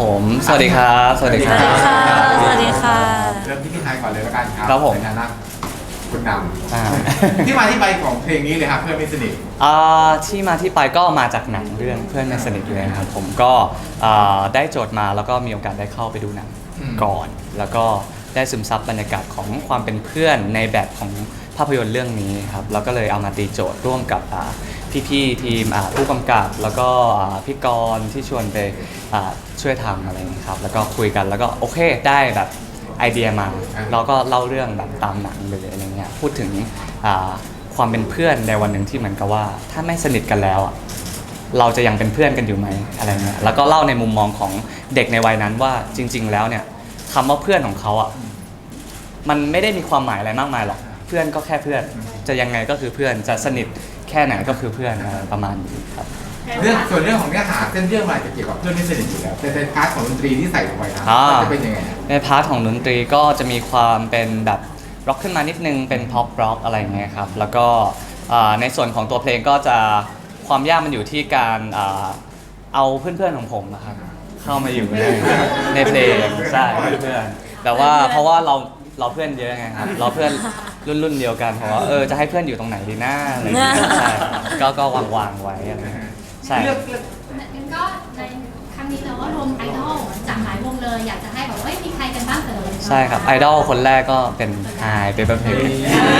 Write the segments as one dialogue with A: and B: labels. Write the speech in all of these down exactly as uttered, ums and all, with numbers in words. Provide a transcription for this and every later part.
A: ผมสวัสดีครับสวัสดีค
B: ส
A: รั
B: วัส
A: บ
B: ดีค่ะ สวัสดีค่ะ
C: เริ่มที่พี่ไทยก่อนเลยแล้วกันครับ
A: ครับผม
C: ในฐานะคุณน
A: อ่า
C: ำที่มาที่ไปของเพลงนี้เลยครับเพื่อนไม่สนิท
A: อ่าที่มาที่ไปก็มาจากหนังเรื่องเพื่อนในสนิทเลยครับผมก็อ่าได้โจทย์มาแล้วก็มีโอกาสได้เข้าไปดูหนังก่อน แล้วก็ได้ซึมซับบรรยากาศของความเป็นเพื่อนในแบบของภาพยนตร์เรื่องนี้ครับแล้วก็เลยเอามาตีโจทย์ร่วมกับอ่าพี่ๆทีมอ่าผู้กำกับแล้วก็อ่าพี่กรณ์ที่ชวนไปอ่าช่วยทำอะไรอย่างนี้ยครับแล้วก็คุยกันแล้วก็โอเคได้แบบไอเดียมาเราก็เล่าเรื่องแบบตามหนังเลยอะไรเงี้ยพูดถึงอ่าความเป็นเพื่อนในวันหนึ่งที่เหมือนกับว่าถ้าไม่สนิทกันแล้วอ่ะเราจะยังเป็นเพื่อนกันอยู่ไหมอะไรเงี้ยแล้วก็เล่าในมุมมองของเด็กในวัยนั้นว่าจริง ๆ แล้วเนี่ยคำว่าเพื่อนของเขาอ่ะมันไม่ได้มีความหมายอะไรมากมายหรอกเพื่อนก็แค่เพื่อนจะยังไงก็คือเพื่อนจะสนิทแค่ไหนก็คือเพื่อนอะไรประมาณนี้ครับ
C: เรื่องส่วนเรื่องของเนื้อหาเส้นเรื่องมันจะเกี่ยวกับเพื่อนไม่สนิทอยู่แล้วแต่เป็นพาร์ทของดนตรีที่ใส่ลงไปนะ
A: อ่า
C: จะเป็นยังไงอะ
A: ในพาร์ทของดนตรีก็จะมีความเป็นแบบร็อกขึ้นมานิดนึงเป็นพ็อปร็อกอะไรเงี้ยครับแล้วก็อ่าในส่วนของตัวเพลงก็จะความยากมันอยู่ที่การอ่าเอาเพื่อนๆของผมนะครับเข้ามาอยู่ในในเพลงใช่เพื่อนๆแต่ว่าเพราะว่าเราเราเพื่อนเยอะไงครับเราเพื่อนรุ่นรุ่นเดียวกันเพราะว่าเออจะให้เพื่อนอยู่ตรงไหนดีหน้าอะไรอย่างเงี้ยใช่ก็ก็วางวางๆไว้อะไรเงี้ยใช่
C: เลือกเลือก
D: งั้นก็ในครั้งนี้เราก็รวมไอดอลจากหลายวงเลยอยากจะให้แบบว่าเอ้ยมีใครกันบ้างเอ่ย
A: ใช่ครับไอดอลคนแรกก็เป็นไฮเปเปอร์เพลย์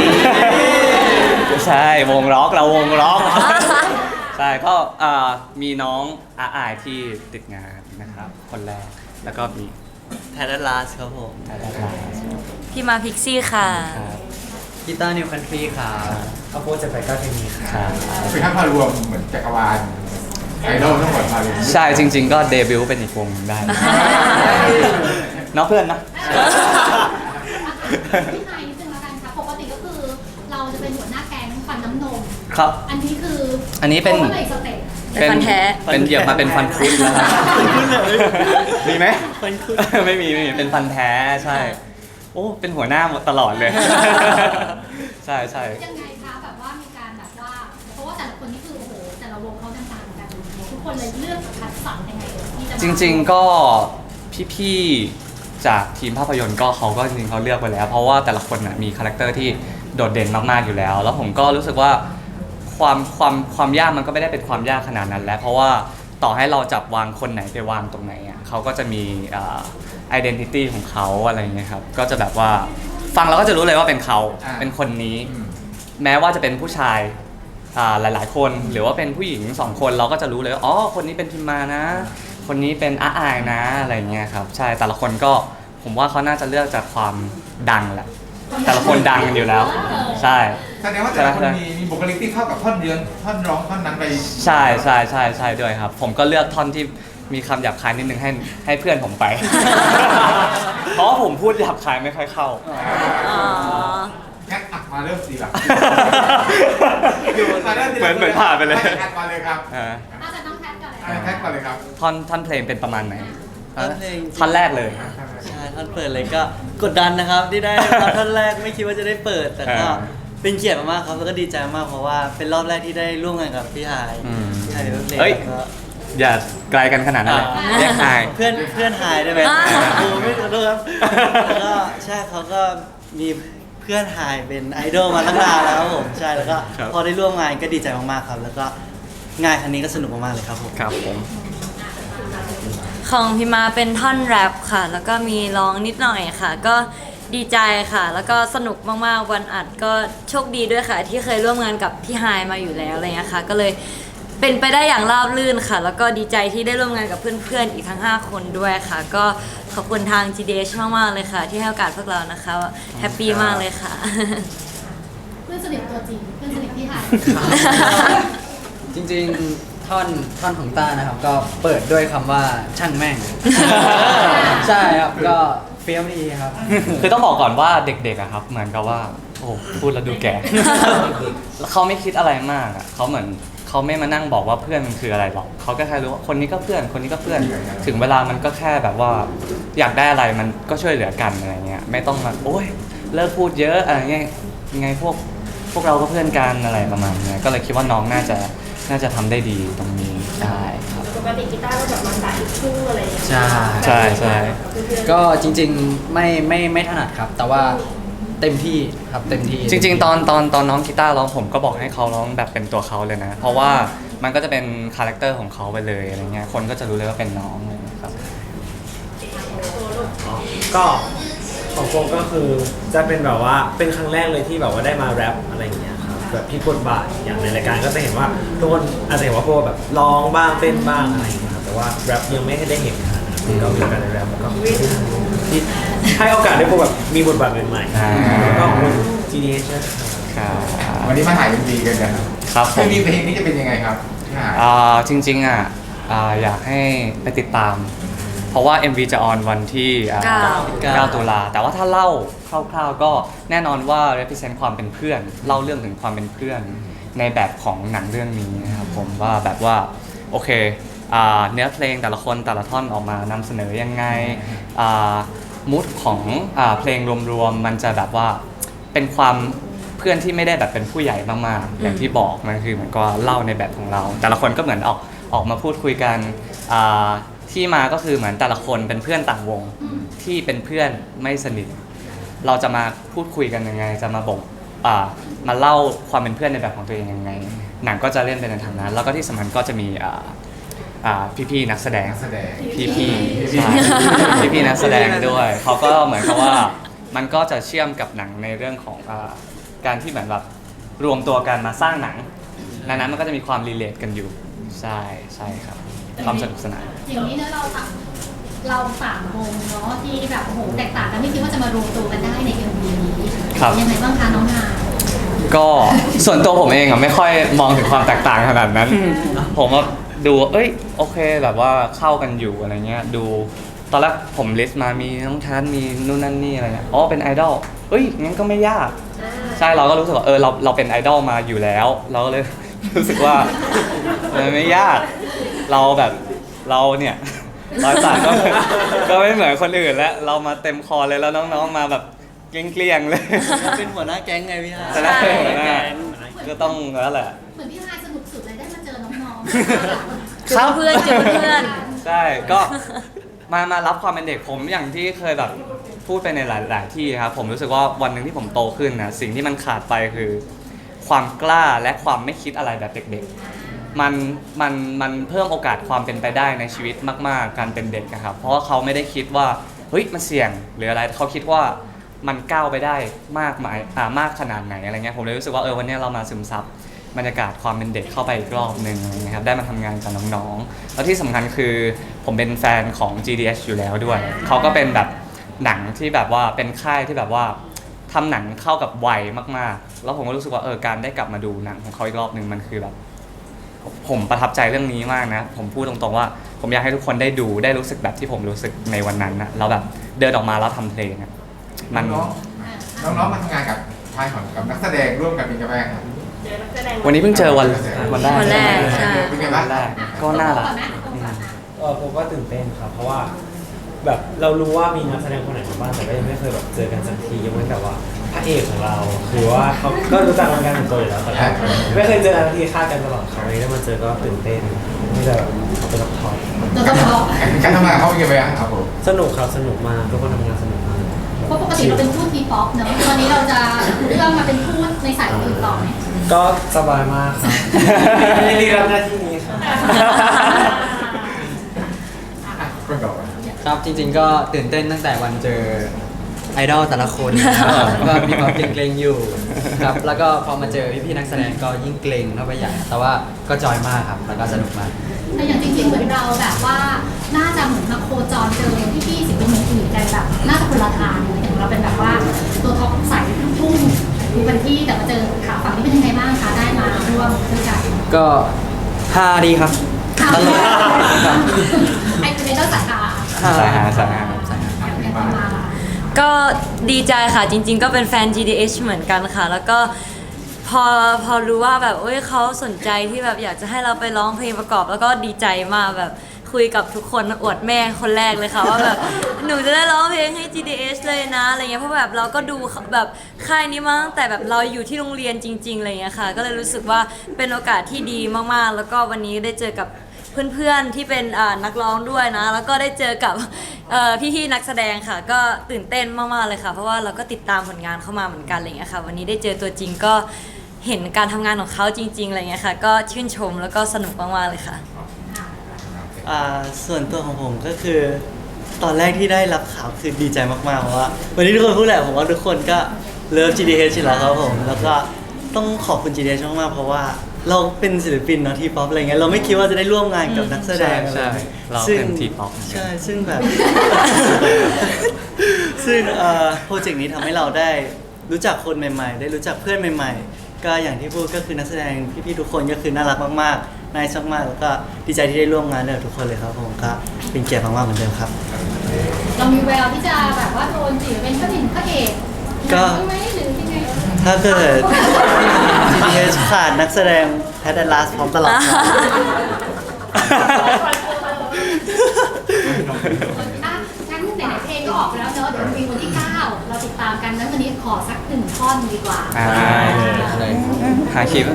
A: ใช่วงร็อกเราวงร็อกใช่ก็อ่ามีน้องอาอายที่ติดงานนะครับคนแรกแล้วก็มี
B: แพทลาสครับผม
A: อาดารา
B: พี่มาพิกซี่ค่ะ
A: ครับ
B: กีตาร์นิวคันทรีค่ะข้าวโพดจะไปก้าเทมีค่ะ
A: ครับ
C: เป็นทั้งพารวมเหมือนจักรวาลไอดอลทั้งหมดมารวม
A: ใช่จริง ๆ ก็เดบิวต์เป็นอีกวงหนึ่งได้เน้องเพื่อนนะ
D: พี่ไฮนิดนึงแล้วกันค่ะปกติก็คือเราจะเป็นหัวหน้าแก๊งฟันน้ำนม
A: ครับ
D: อันนี้คือ
A: อันนี้เป็น
D: โค้ชอะไรสเต็ป
B: เป็นฟันแท้
A: เป็นเหยียบมาเป็นฟันคุดแล้วครับมีไหม
B: ฟันคุด
A: ไม่มีไม่มีเป็นฟันแท้ใช่ โอ้เป็นหัวหน้าหมดตลอดเลย ใช่ใช่
D: ยังไงคะแบบว่ามีการแบบว่าเพราะว่าแต่ละคนนี่คือโอ้โหแต่ละวงเขาต่างๆกันทุกคนเลยเลือกคัดสรรยังไงเอ่ยที่จะมา
A: จริง ๆก็พี่ๆจากทีมภาพยนตร์ก็เขาก็จริงๆเขาเลือกไปแล้ว เพราะว่าแต่ละคนน่ะมีคาแรคเตอร์ที่โดดเด่นมากๆอยู่แล้ว แล้วผมก็รู้สึกว่าความความความยากมันก็ไม่ได้เป็นความยากขนาดนั้นแล้ว เพราะว่าต่อให้เราจับวางคนไหนไปวางตรงไหนอ่ะเขาก็จะมีอ่า identity ของเขาอะไรอย่างเงี้ยครับก็จะแบบว่าฟังเราก็จะรู้เลยว่าเป็นเขาเป็นคนนี้
C: อืม
A: แม้ว่าจะเป็นผู้ชายอ่าหลายๆ คนหรือว่าเป็นผู้หญิงสองคนเราก็จะรู้เลยว่าอ๋อคนนี้เป็นพิมมานะ คนนี้เป็นอาอายนะอะไรเงี้ยครับใช่แต่ละคนก็ผมว่าเขาน่าจะเลือกจากความดังแหละแต่ละคนดังกันอยู่แล้ว ใช่
C: แสดงว่าแต่ละคนมีมีบุคลิกที่เข้ากับท่อนเดือนท่อนร้องท่อนนั้นไป
A: ใช่ใช่ใช่ใช่ด้วยครับ ผมก็เลือกท่อนที่มีคำหยาบคายนิดนึงให้ให้เพื่อนผมไป เพราะว่าผมพูดหยาบคายไม่ค่อยเข้า
B: อ๋อ
C: งั้นอ่ะมาเริ่มสีหลัก
A: เหมือนเหมือนผ่านไปเลย
C: แคทมาเลยครับ
A: อ่า
D: อาจจะต้องแคทก่อนเลย
C: อ่ะแคทมาเลยครับ
A: ท่อนท่อนเพลงเป็นประมาณไหน
E: ท่อนเพลง
A: ท่อนแรกเลย
E: ใช่ท่อนเปิดเลยก็กดดันนะครับที่ได้มาท่อนแรกไม่คิดว่าจะได้เปิด แต่ก็
A: อ่า
E: เป็นเกียรติมากๆครับแล้วก็ดีใจมากเพราะว่าเป็นรอบแรกที่ได้ร่วมงานกับพี่หาย
A: อืม
E: พี่หายเป็นเพลง
A: เอ้ย
E: แล้วก็
A: อย่าไกลกันขนาดนั้นเลย
E: อ่า
A: เรียกอาย
E: เพื่อนเพื่อนหายได้ไหม
B: อ่า
E: โอ้ไม่ขอโทษครับแล้วก็ใช่เขาก็มีเพื่อนหายเป็นไอดอลมาตั้งนานแล้วครับผมใช่แล้วก็
A: ครับ
E: พอได้ร่วมงานก็ดีใจมากๆครับ แล้วก็งานครั้งนี้ก็สนุกมากๆเลยครับผม
A: ครับผม
B: ของพี่มาเป็นท่อนแรปค่ะ แล้วก็มีร้องนิดหน่อยค่ะ ก็ดีใจค่ะ แล้วก็สนุกมากๆวันอัดก็โชคดีด้วยค่ะ ที่เคยร่วมงานกับพี่ไฮายมาอยู่แล้วอะไรเงี้ยค่ะ ก็เลยเป็นไปได้อย่างราบรื่นค่ะ แล้วก็ดีใจที่ได้ร่วมงานกับเพื่อนๆอีกทั้งห้าคนด้วยค่ะ ก็ขอบคุณทาง จี ดี เอช มากๆเลยค่ะ ที่ให้โอกาสพวกเรานะคะแฮปปี้มากเลยค่ะ
D: เพื่อนสนิทตัวจริงเพื่อนสนิทที่ไฮ
F: จริงๆท่อนท่อนของต้านะครับ ก็เปิดด้วยคำว่าช่างแม่ง ใช่ครับก็เฟี้ยวดีครับ
A: คือต้องบอกก่อนว่าเด็กๆอะครับเหมือนกับว่าโอ้พูดแล้วดูแก่ เขาไม่คิดอะไรมากอะเขาเหมือนเขาไม่มานั่งบอกว่าเพื่อนมันคืออะไรหรอกเขาก็แค่รู้ว่าคนนี้ก็เพื่อนคนนี้ก็เพื่อน ถึงเวลามันก็แค่แบบว่าอยากได้อะไรมันก็ช่วยเหลือกันอะไรเงี้ยไม่ต้องมาโอ๊ยเลิกพูดเยอะอะไรเงี้ยยังไงพวกพวกเราก็เพื่อนกันอะไรประมาณเนี้ยก็เลยคิดว่าน้องน่าจะน่าจะทำได้ดีตรงนี้ได้ครับ
G: กติกีตาร์ก็แบบมาสายลูกทุ่งอะไรอย่างเงี้ย
F: ใช่
A: ใช่ใช่
F: ก็จริงๆไม่ไม่ไม่ถนัดครับ แต่ว่าเต็มที่ครับเต็มที่
A: จริงๆ ตอนตอนตอนน้องกีตาร์ร้องผมก็บอกให้เขาร้องแบบเป็นตัวเขาเลยนะ เพราะว่ามันก็จะเป็นคาแรคเตอร์ของเขาไปเลยอะไรเงี้ยคนก็จะรู้เลยว่าเป็นน้องอะไรเงี้ยครับ
H: ก็ของโฟก็คือจะเป็นแบบว่าเป็นครั้งแรกเลยที่แบบว่าได้มาแรปอะไรอย่างเงี้ยครับแบบพี่บทบาทอย่างในรายการก็จะเห็นว่าทุกคนอาจจะเห็นว่าโฟแบบร้องบ้างเต้นบ้างอะไรอย่างเงี้ยครับแต่ว่าแรปยังไม่ได้เห็นขนาดนั้นก็มีโอกาสได้แรปแล้วก็ที่ให้โอกาสได้โฟแบบมีบทบาทใหม่ๆแล้วก็คน จี ดี เอช
A: ครับ
C: วันนี้มาถ่ายเอ็มวีกันกัน
A: ครับผ
C: เอ็ม
A: ม
C: วีเพลงนี้จะเป็นยังไงครับพี่หา
A: อ่าจริงๆอ่ะอ่าอยากให้ไปติดตาม เพราะว่า เอ็ม วี จะออนวันที่อ่า
B: เก้า
A: เก้าตุลาแต่ว่าถ้าเล่าคร่าวๆก็แน่นอนว่า represent ความเป็นเพื่อน เล่าเรื่องถึงความเป็นเพื่อนในแบบของหนังเรื่องนี้นะครับผมว่าแบบว่าโอเคอ่าเนื้อเพลงแต่ละคนแต่ละท่อนออกมานำเสนอยังไงอ่ามูดของอ่าเพลงรวมๆมันจะแบบว่าเป็นความเพื่อนที่ไม่ได้แบบเป็นผู้ใหญ่มากๆอย่างที่บอกมันคือเหมือนก็เล่าในแบบของเรา แต่ละคนก็เหมือนออกออกมาพูดคุยกันอ่าที่มาก็คือเหมือนแต่ละคนเป็นเพื่อนต่างวงที่เป็นเพื่อนไม่สนิทเราจะมาพูดคุยกันยังไงจะมาบอกอ่ามาเล่าความเป็นเพื่อนในแบบของตัวเองยังไงหนังก็จะเล่นไปในทางนั้น แล้วก็ที่สำคัญก็จะมีอ่าอ่าพี่ๆนักแสดง
C: นักแสดง
A: พี่พี่ใช่พี่พี่นักแสดงด้วยเขาก็เหมือนกับว่ามันก็จะเชื่อมกับหนังในเรื่องของอาการที่เหมือนแบบรวมตัวกันมาสร้างหนังดังนั้นมันก็จะมีความรีเลทกันอยู่ใช่ใช่ครับความสนุกสนาน
D: อย่างนี้เนอะเราสามเราสามวงเนาะที่แบบโอ้โหแตกต่างกันไม่คิดว่าจะมารวมตัวกันได้ในเอ็มวีนี้
A: ครับ
D: ยังไงบ้างคะน้องนาย
A: ก็ส่วนตัวผมเองอ่ะไม่ค่อยมองถึงความแตกต่างขนาดนั้น ผมว่าดูเอ้ยโอเคแบบว่าเข้ากันอยู่อะไรเงี้ยดูตอนแรกผมลิสต์มามีน้องทันมีนู่นนั่นนี่อะไรเงี้ยอ๋อเป็นไอดอลเอ้ยงั้นก็ไม่ยาก ใช่เราก็รู้สึกว่าเออเราเราเป็นไอดอลมาอยู่แล้ว เราก็เลย รู้สึกว่ามันไม่ยาก เราแบบเราเนี่ยรอยสักก็ ก็ไม่เหมือนคนอื่นแล้วเรามาเต็มคอเลยแล้วน้องๆมาแบบเกลี้ยงๆเลย
E: เป็นหัวหน้าแก๊งไงพี่ฮะ
A: แต่ละคนหัวหน้าก็ต้องแล้วแหละ
D: เหมือนพี่นายสนุกสุดเลยได้มาเจอน้อง
B: เจอเพื่อนเจอเพื่อน
A: ใช่ก็มามารับความเป็นเด็กผมอย่างที่เคยแบบพูดไปในหลาย ๆ ที่ครับผมรู้สึกว่าวันหนึ่งที่ผมโตขึ้นนะสิ่งที่มันขาดไปคือ ความกล้าและความไม่คิดอะไรแบบเด็ก ๆ มันมันมันเพิ่มโอกาสความเป็นไปได้ในชีวิตมาก ๆ การเป็นเด็กนะครับเพราะว่าเขาไม่ได้คิดว่าเฮ้ยมันเสี่ยงหรืออะไรเขาคิดว่ามันก้าวไปได้มากมายอ่ามากขนาดไหนอะไรเงี้ยผมเลยรู้สึกว่าเออวันนี้เรามาซึมซับบรรยากาศความเป็นเด็กเข้าไปอีกรอบหนึ่งอะไรเงี้ยครับได้มาทำงานกับน้องๆแล้วที่สำคัญคือผมเป็นแฟนของ จี ดี เอช อยู่แล้วด้วยเขาก็เป็นแบบหนังที่แบบว่าเป็นค่ายที่แบบว่าทำหนังเข้ากับวัยมากๆ แล้วผมก็รู้สึกว่าเออการได้กลับมาดูหนังของเขาอีกรอบหนึ่งมันคือแบบผมประทับใจเรื่องนี้มากนะผมพูดตรงๆว่าผมอยากให้ทุกคนได้ดูได้รู้สึกแบบที่ผมรู้สึกในวันนั้นนะเราแบบเดินออกมาแล้วทำเพลงอะมัน
C: น้องๆน้องๆมาทำงานกับทายของกับนักแสดงร่วมกันเป็นยังไงครับ
G: เจอนักแสดง
A: วันนี้เพิ่งเจอวันวันแรก
B: วันแรกใช่
C: เป็นไงบ้าง
A: วันแรก
D: ๆ
A: ก็น่ารัก
D: ก่อนไหมก่อนไหม
H: เออผมก็ตื่นเต้นครับ เพราะว่าแบบเรารู้ว่ามีนักแสดงคนไหนมาบ้างแต่ก็ยังไม่เคยแบบเจอกันสักทียกเว้นแต่ว่าพระเอกของเราคือว่าเขาก็รู้จักกันเป็นตัวอยู่แล้วแต่ก็ไม่เคยเจอกันสักทีค่ากันตลอดเขาเลยได้มาเจอก็ตื่นเต้นไม่ได้แบบเป็นละคร
D: เราต้องบอก
C: การทำงานเขาเป็นยังไงบ้างครับผม
H: สนุกครับสนุกมากทุกคนทำงานสนุกมาก
D: เพราะปกติเราเป็นทูตทีป๊อปเนอะตอนนี้เราจะเรื่องมาเป็นทูตในสายอื่นต่อไหม
H: ก็สบายมากครับยินดีรับหน้าที่นี้ครับ
C: คนต่อไป
F: ครับจริงๆก็ตื่นเต้นตั้งแต่วันเจอไอดอลแต่ละคนนะครับก็มีความเกรงๆอยู่ครับแล้วก็พอมาเจอพี่ๆนักแสดงก็ยิ่งเกรงเข้าไปใหญ่แต่ว่าก็จอยมากครับแล้วก็สนุกมาก
D: แต่อย่างจริงๆเหมือนเราแบบว่าน่าจะเหมือนมาโคจรเจอพี่ๆศิลปินอื่นๆกันแบบน่าจะคนละทางเลยอย่างเราเป็นแบบว่าตัวท็อปสายลูกทุ่งดูกันที่แต่มาเจอขาฝั่งนี้เป็นยังไงบ้างคะได้มาร่วมด้วยกัน
F: ก็ฮาดีครับ
D: ค่ะ
F: ตลก
D: ไอ้คือในเจ้าสาขา
A: สายหาสายหา
D: อย่างประมาณ
B: ก็ดีใจค่ะจริง ๆ ก็เป็นแฟน จี ดี เอช เหมือนกันค่ะ แล้วก็พอพอรู้ว่าแบบเอ้ยเขาสนใจที่แบบอยากจะให้เราไปร้องเพลงประกอบ แล้วก็ดีใจมากแบบคุยกับทุกคนอวดแม่คนแรกเลยค่ะว่าแบบหนูจะได้ร้องเพลงให้ จี ดี เอช เลยนะอะไรเงี้ยเพราะแบบเราก็ดูแบบค่ายนี้มาตั้งแต่แบบเราอยู่ที่โรงเรียนจริงๆอะไรเงี้ยค่ะ ก็เลยรู้สึกว่าเป็นโอกาสที่ดีมากๆ แล้วก็วันนี้ได้เจอกับเพื่อนๆที่เป็นอ่านักร้องด้วยนะ แล้วก็ได้เจอกับเอ่อพี่ๆนักแสดงค่ะ ก็ตื่นเต้นมากๆเลยค่ะ เพราะว่าเราก็ติดตามผลงานเข้ามาเหมือนกันอะไรเงี้ยค่ะ วันนี้ได้เจอตัวจริงก็เห็นการทำงานของเขาจริงๆอะไรเงี้ยค่ะ ก็ชื่นชมแล้วก็สนุกมากๆเลยค่ะ
E: อ่าส่วนตัวของผมก็คือตอนแรกที่ได้รับข่าวคือดีใจมากๆเพราะว่าวันนี้ทุกคนพูดแหละผมว่าทุกคนก็เลิฟ จี ดี เอช อยู่แล้วครับผมแล้วก็ต้องขอบคุณ จี ดี เอช มากๆเพราะว่าเราเป็นศิลปินเนาะทีป๊อปอะไรเงี้ยเราไม่คิดว่าจะได้ร่วมงานกับนักแสดง
A: ใช่
E: อะไร
A: เรา
E: ซึ่ง
A: เป็น T-pop
E: ใช่ซึ่งแบบ ซึ่งเอ่อโปรเจกต์นี้ทำให้เราได้รู้จักคนใหม่ๆ ได้รู้จักเพื่อนใหม่ๆ ก็อย่างที่พูดก็คือนักแสดงพี่ๆทุกคนก็คือน่ารักมากๆน่ารักมากๆแล้วก็ดีใจที่ได้ร่วมงานกับทุกคนเลยครับผมก็เป็นเกียรติมากๆเหมือนเดิมครับ
D: เรามีแววที่จะแบบว่าโดนจีบเป็นพระเอกพระเอก
E: ก็
D: ใช่ไหมหรือยังไง
E: ถ้าเกิด จี ดี เอช ขาดนักแสดงแพทแอนลาสพร้อมตลอดครับ
D: อ่ะงั้นไหนๆเพลงก็ออกไปแล้วเนอะเดี๋ยวมีวันที่เก้าเราติดตามกันนั้นวันนี้ขอสักหนึ่งท่อนดีกว่า
A: อ่า
F: อะไร
A: หาคีย์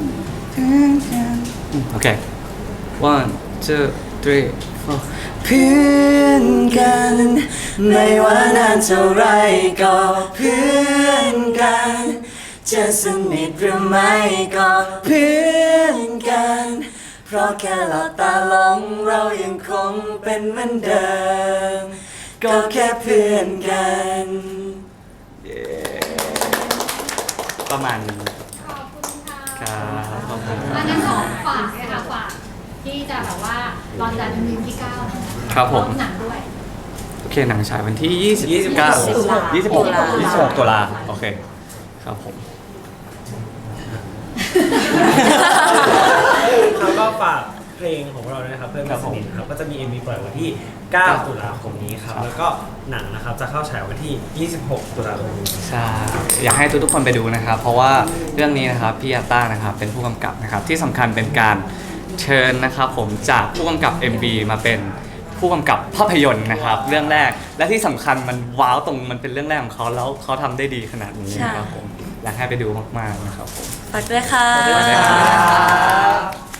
A: โอเค one two three four
E: เพื่อนกันไม่ว่านานเท่าไรก็เพื่อนกันจะสนิทหรือไม่ก็เพื่อนกันเพราะแค่หลับตาลงเรายังคงเป็นเหมือนเดิมก็แค่เพื่อนกัน
A: ประมาณนี้
D: ขอบคุณค่ะ
A: ครับขอบคุณค
D: อั
A: รั
D: น
A: บ
D: นั้นขอฝากเลยค่ะฝากที่จะแบบว่าตอนจัดเป็นวันที่เก้านะคะ
A: ครับผม
D: พร้อหนังด้วย
A: โอเคหนังฉายวันที่ยี่สิบเก้า ยี่สิบหก ยี่สิบหกตุลาโอเค ครับผม
H: เขาก็ฝากเพลงของเราด้วยนะครับเพื่อนกันสนิทครับก็จะมี เอ็ม วี ปล่อยวันที่ เก้า ตุลาคมนี้ครับแล้วก็หนังนะครับจะเข้าฉายวันที่ ยี่สิบหก ตุลาคมนี้
A: ใช่ อยากให้ทุกๆคนไปดูนะครับ เพราะว่าเรื่องนี้นะครับพี่ยาต้านะครับเป็นผู้กำกับนะครับ ที่สำคัญเป็นการเชิญนะครับผมจากผู้กำกับ เอ็ม วี มาเป็นผู้กำกับภาพยนตร์นะครับ เรื่องแรกและที่สำคัญมันว้าวตรงมันเป็นเรื่องแรกของเขาแล้วเขาทำได้ดีขนาดนี้นะครับผมอยากให้ไปดูมากๆนะครับผม
B: ฝากด้วยค่ะ
A: ฝากด้วยครับ